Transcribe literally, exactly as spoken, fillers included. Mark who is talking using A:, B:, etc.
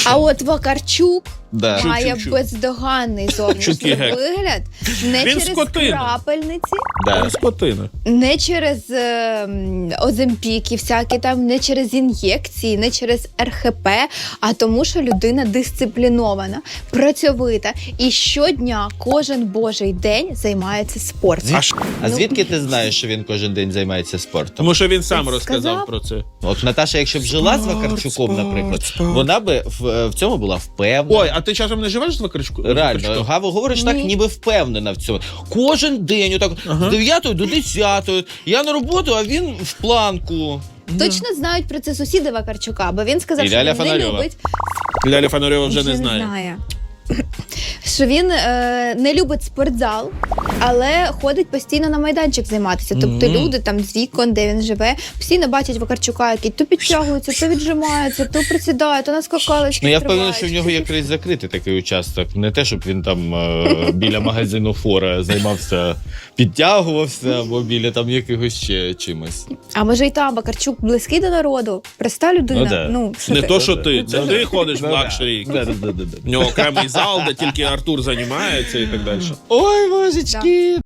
A: А от Вакарчук
B: Да.
A: має
C: Чук-чук-чук.
A: бездоганний зовнішній
C: Чуки гек.
A: вигляд. Не
C: Він
A: через
C: скотина.
A: крапельниці,
B: Да.
C: Скотина.
A: не через е, м, оземпіки всякі там, не через ін'єкції, не через ер хе пе, а тому, що людина дисциплінована, працьовита і щодня, кожен божий день займається спортом.
C: А ш-
B: А
A: Ну,
B: звідки ти знаєш, що він кожен день займається спортом?
C: Тому що він сам
A: Він
C: розказав
A: сказав.
C: про це.
B: От Наташа, якщо б жила з Вакарчуком,
C: спорт,
B: наприклад,
C: спорт.
B: вона би в, в цьому була впевнена.
C: Ой, а ти часом не живеш з Вакарчуком?
B: Реально, Гава говориш так,
A: Ні.
B: ніби впевнена в цьому. Кожен день, отак,
C: Ага.
B: з дев'ятої до десятої. Я на роботу, а він в планку.
A: Точно знають про це сусіди Вакарчука, бо він сказав,
B: І
A: що
B: Ляля
A: він не
B: Фонарьова.
A: любить.
C: Ляля Фонарьова вже не знає.
A: знає. Що він е, не любить спортзал, але ходить постійно на майданчик займатися. Тобто
B: Мгм.
A: люди там з вікон, де він живе, постійно бачать Вакарчука, який то підтягується, то віджимається, то присідає, то на скакалочки
B: Ну я впевнений,
A: стрибає.
B: що в нього є крізь закритий такий участок. Не те, щоб він там е, біля магазину Фора займався, підтягувався, або біля там якогось ще чимось.
A: А може і там Вакарчук близький до народу? Проста людина.
B: Ну, да.
A: Ну, що
C: Не
A: ти?
C: то, що ти. Це
B: Ну,
C: ти
B: да.
C: ходиш в
B: Ну, да.
C: лакшері.
B: Да, да, да, да, да.
C: В нього окремий зал, де тільки Артур займається і так далі.
B: Ой, божечки!